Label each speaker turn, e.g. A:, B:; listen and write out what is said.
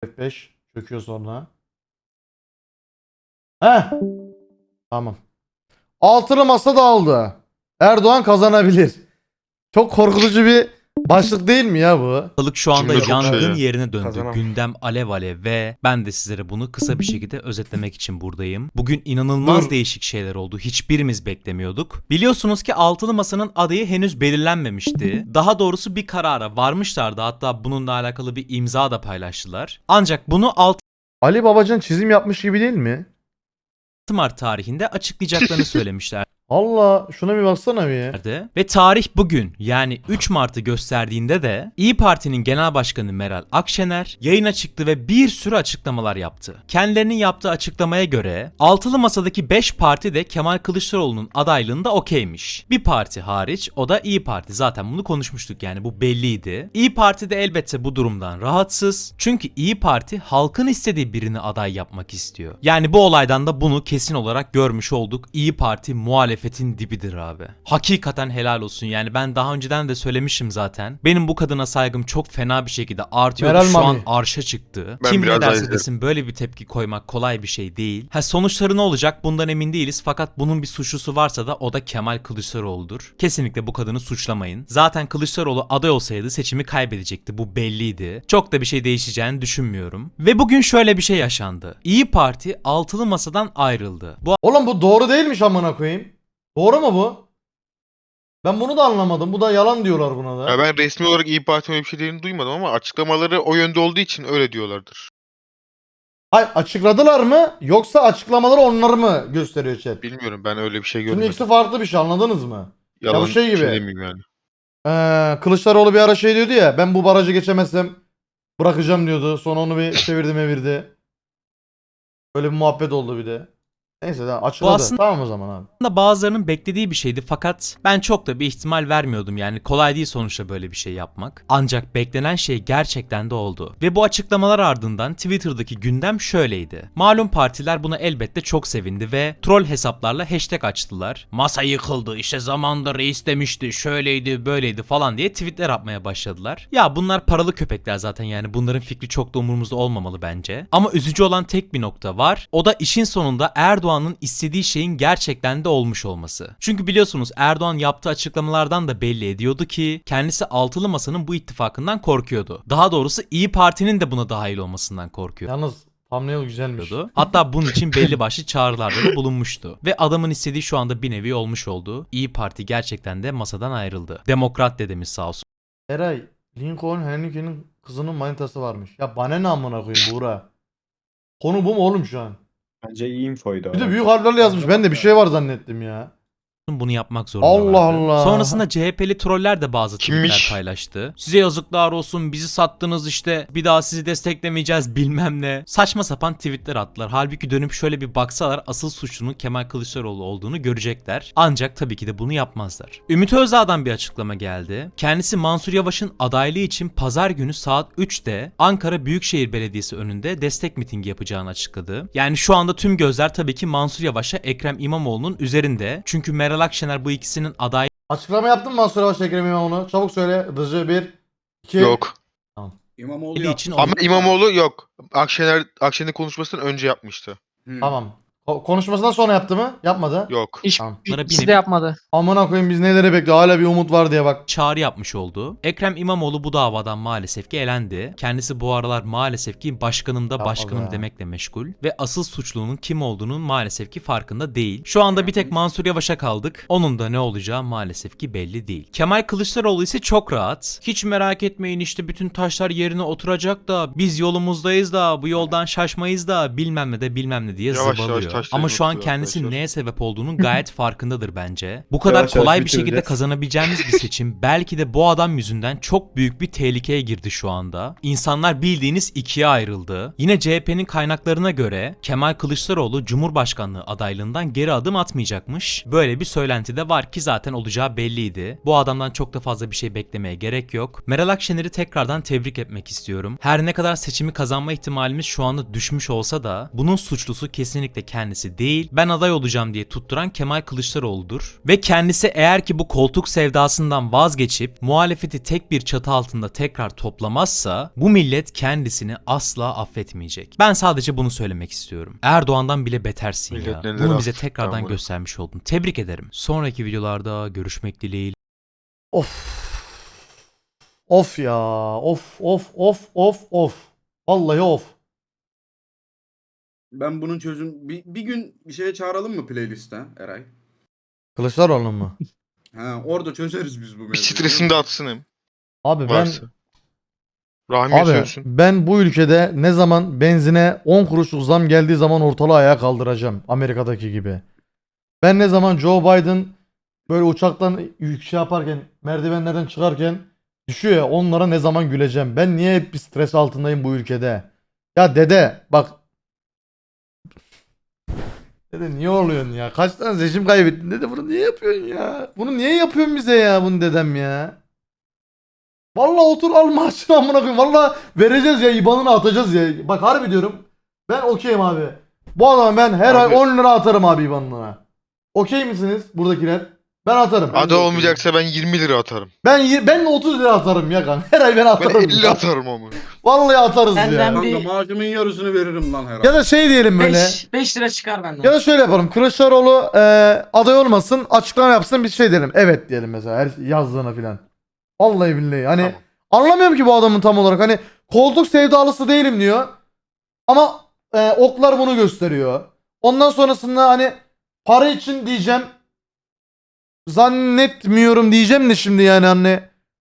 A: F5 çöküyor sonra. Heh. Tamam. Altılı masa dağıldı. Erdoğan kazanabilir. Çok korkutucu bir başlık değil mi ya bu?
B: Ortalık şu anda
C: Cümle çok şey
B: yangın
C: ya.
B: yerine döndü.
C: Kazanam.
B: Gündem alev alev ve ben de sizlere bunu kısa bir şekilde özetlemek için buradayım. Bugün inanılmaz değişik şeyler oldu. Hiçbirimiz beklemiyorduk. Biliyorsunuz ki Altılı Masa'nın adayı henüz belirlenmemişti. Daha doğrusu bir karara varmışlardı. Hatta bununla alakalı bir imza da paylaştılar. Ancak bunu 6
A: Ali Babacan çizim yapmış gibi değil mi?
B: Mart tarihinde açıklayacaklarını söylemişler.
A: Allah şuna bir baksana bir.
B: Nerede? Ve tarih bugün yani 3 Mart'ı gösterdiğinde de İyi Parti'nin Genel Başkanı Meral Akşener yayına çıktı ve bir sürü açıklamalar yaptı. Kendilerinin yaptığı açıklamaya göre Altılı Masa'daki 5 parti de Kemal Kılıçdaroğlu'nun adaylığında okeymiş. Bir parti hariç, o da İyi Parti. Zaten bunu konuşmuştuk, yani bu belliydi. İyi Parti de elbette bu durumdan rahatsız. Çünkü İyi Parti halkın istediği birini aday yapmak istiyor. Yani bu olaydan da bunu kesin olarak görmüş olduk. İyi Parti muhalefetin dibidir abi. Hakikaten helal olsun. Yani ben daha önceden de söylemişim zaten. Benim bu kadına saygım çok fena bir şekilde artıyordu.
A: Meral
B: Şu an
A: Mami.
B: arşa çıktı.
C: Ben
B: Kim
C: biraz
B: ne
C: daha
B: derse
C: izlerim.
B: desin böyle bir tepki koymak kolay bir şey değil. Sonuçları ne olacak bundan emin değiliz. Fakat bunun bir suçlusu varsa da o da Kemal Kılıçdaroğlu'dur. Kesinlikle bu kadını suçlamayın. Zaten Kılıçdaroğlu aday olsaydı seçimi kaybedecekti. Bu belliydi. Çok da bir şey değişeceğini düşünmüyorum. Ve bugün şöyle bir şey yaşandı. İyi Parti altılı masadan ayrıldı. Bu
A: Oğlum bu doğru değilmiş amına koyayım. Doğru mu bu? Ben bunu da anlamadım. Bu da yalan diyorlar buna da.
C: Ya ben resmi olarak İYİ Parti'nin öyle bir şey dediğini duymadım ama açıklamaları o yönde olduğu için öyle diyorlardır.
A: Hayır, açıkladılar mı yoksa açıklamaları onları mı gösteriyor chat?
C: Bilmiyorum, ben öyle bir şey
A: Şimdi
C: görmedim.
A: ikisi farklı bir şey, anladınız mı?
C: Yalan
A: bu şey gibi.
C: demeyeyim yani.
A: Kılıçdaroğlu bir ara şey diyordu ya, ben bu barajı geçemezsem bırakacağım diyordu. Sonra onu bir çevirdi mevirdi. Böyle bir muhabbet oldu bir de. Neyse tamam, açıkladı.
B: aslında-
A: Tamam o zaman abi.
B: da bazılarının beklediği bir şeydi fakat ben çok da bir ihtimal vermiyordum, yani kolay değil sonuçta böyle bir şey yapmak. Ancak beklenen şey gerçekten de oldu. Ve bu açıklamalar ardından Twitter'daki gündem şöyleydi. Malum partiler buna elbette çok sevindi ve troll hesaplarla hashtag açtılar. Masa yıkıldı, işte zamanında reis demişti, şöyleydi böyleydi falan diye tweetler atmaya başladılar. Ya bunlar paralı köpekler zaten, yani bunların fikri çok da umurumuzda olmamalı bence. Ama üzücü olan tek bir nokta var. O da işin sonunda Erdoğan'ın istediği şeyin gerçekten de olmuş olması. Çünkü biliyorsunuz Erdoğan yaptığı açıklamalardan da belli ediyordu ki kendisi altılı masanın bu ittifakından korkuyordu. Daha doğrusu İyi Parti'nin de buna dahil olmasından korkuyordu.
A: Yalnız thumbnail güzelmiş.
B: Hatta bunun için belli başlı çağrılarda da bulunmuştu. Ve adamın istediği şu anda bir nevi olmuş oldu. İyi Parti gerçekten de masadan ayrıldı. Demokrat dedemiz sağ olsun.
A: Eray, Lincoln Henrique'nin kızının manitası varmış. Ya bana ne amına koyayım Buğra. Konu bu mu oğlum şu an?
D: Bence iyi infoydu.
A: Bir de büyük harflerle yazmış. Ben de bir şey var zannettim ya.
B: Bunu yapmak zorundalardı.
A: Allah Allah.
B: Sonrasında CHP'li troller de bazı tweetler
C: Kimmiş?
B: paylaştı. Size yazıklar olsun, bizi sattınız işte, bir daha sizi desteklemeyeceğiz bilmem ne. Saçma sapan tweetler attılar. Halbuki dönüp şöyle bir baksalar asıl suçlunun Kemal Kılıçdaroğlu olduğunu görecekler. Ancak tabii ki de bunu yapmazlar. Ümit Özdağ'dan bir açıklama geldi. Kendisi Mansur Yavaş'ın adaylığı için pazar günü saat 3'te Ankara Büyükşehir Belediyesi önünde destek mitingi yapacağını açıkladı. Yani şu anda tüm gözler tabii ki Mansur Yavaş'a Ekrem İmamoğlu'nun üzerinde. Çünkü Meral Akşener bu ikisinin aday
A: Açıklama yaptın mı Mansur Yavaş Ekrem İmamoğlu? Çabuk söyle. Hızlıca 1, 2.
C: Yok.
D: İmamoğlu
B: için
D: yaptı.
C: Ama İmamoğlu yok. Akşener'in konuşmasından önce yapmıştı.
A: Tamam. Konuşmasından sonra yaptı mı? Yapmadı.
C: Yok.
E: Hiç
A: Tamam.
E: ikisi de yapmadı.
A: Amına koyayım, biz neleri bekliyor? Hala bir umut var diye bak.
B: çağrı yapmış oldu. Ekrem İmamoğlu bu davadan maalesef ki elendi. Kendisi bu aralar maalesef ki başkanım da
A: Yapma
B: başkanım
A: be.
B: demekle meşgul ve asıl suçlunun kim olduğunun maalesef ki farkında değil. Şu anda bir tek Mansur Yavaş'a kaldık. Onun da ne olacağı maalesef ki belli değil. Kemal Kılıçdaroğlu ise çok rahat. Hiç merak etmeyin, işte bütün taşlar yerine oturacak da biz yolumuzdayız da bu yoldan şaşmayız da bilmem ne de bilmem ne diye
C: Yavaş yavaş
B: zıbalıyor.
C: taşlar
B: Ama şu an
C: oturuyor
B: kendisi
C: arkadaşlar.
B: neye sebep olduğunun gayet farkındadır bence. Bu kadar
D: Yavaş yavaş
B: kolay bir şekilde
D: bitireceğiz.
B: kazanabileceğimiz bir seçim belki de bu adam yüzünden çok büyük bir tehlikeye girdi şu anda. İnsanlar bildiğiniz ikiye ayrıldı. Yine CHP'nin kaynaklarına göre Kemal Kılıçdaroğlu Cumhurbaşkanlığı adaylığından geri adım atmayacakmış. Böyle bir söylenti de var ki zaten olacağı belliydi. Bu adamdan çok da fazla bir şey beklemeye gerek yok. Meral Akşener'i tekrardan tebrik etmek istiyorum. Her ne kadar seçimi kazanma ihtimalimiz şu anda düşmüş olsa da bunun suçlusu kesinlikle kendisi kendisi değil, ben aday olacağım diye tutturan Kemal Kılıçdaroğlu'dur. Ve kendisi eğer ki bu koltuk sevdasından vazgeçip muhalefeti tek bir çatı altında tekrar toplamazsa bu millet kendisini asla affetmeyecek. Ben sadece bunu söylemek istiyorum. Erdoğan'dan bile betersin
C: Millet
B: ya.
C: neler
B: Bunu bize
C: affetti,
B: tekrardan
C: tamam.
B: göstermiş oldun. Tebrik ederim. Sonraki videolarda görüşmek dileğiyle.
A: Of. Of ya. Of. Vallahi of.
D: Ben bunun bir gün bir şeye çağıralım mı playlist'e Eray?
A: Kılıçdaroğlu mu?
D: Ha, orada çözeriz biz bu
C: Bir
D: mevzuyu.
C: stresini de atsın hem.
A: Abi
C: Varsa. Rahmi
A: Abi
C: sönsün.
A: ben bu ülkede ne zaman benzine 10 kuruşluk zam geldiği zaman ortalığı ayağa kaldıracağım. Amerika'daki gibi. Ben ne zaman Joe Biden böyle uçaktan şey yaparken, merdivenlerden çıkarken düşüyor ya, onlara ne zaman güleceğim. Ben niye hep bir stres altındayım bu ülkede? Ya dede bak. Dede niye oluyorsun ya? Kaç tane seçim kaybettin dede, bunu niye yapıyorsun ya? Bunu niye yapıyorsun bize ya, bunu dedem ya? Vallahi otur al maaşını amına koyayım. Vallahi vereceğiz ya, IBAN'ını atacağız ya. Bak harbi diyorum. Ben okeyim abi. Bu adama ben her
C: Abi-
A: ay 10 lira atarım abi IBAN'ına. Okey misiniz buradakiler? Ben atarım.
C: Aday olmayacaksa ben 20 lira atarım.
A: Ben 30 lira atarım ya kanka. Her ay ben
C: Ben
A: atarım.
C: 50
A: ya.
C: atarım ama.
A: Vallahi atarız
E: Benden
A: ya.
E: bir-
D: Kanka maaşımın yarısını veririm lan her ay.
A: Ya da şey diyelim böyle.
E: 5 lira çıkar benden.
A: Ya da şöyle yapalım. Kılıçdaroğlu aday olmasın, açıklama yapsın, biz şey diyelim. Evet diyelim mesela her yazdığına filan. Vallahi billahi. Hani
C: Tamam.
A: anlamıyorum ki bu adamın tam olarak. Hani koltuk sevdalısı değilim diyor. Ama oklar bunu gösteriyor. Ondan sonrasında hani para için diyeceğim. Zannetmiyorum diyeceğim de şimdi yani anne.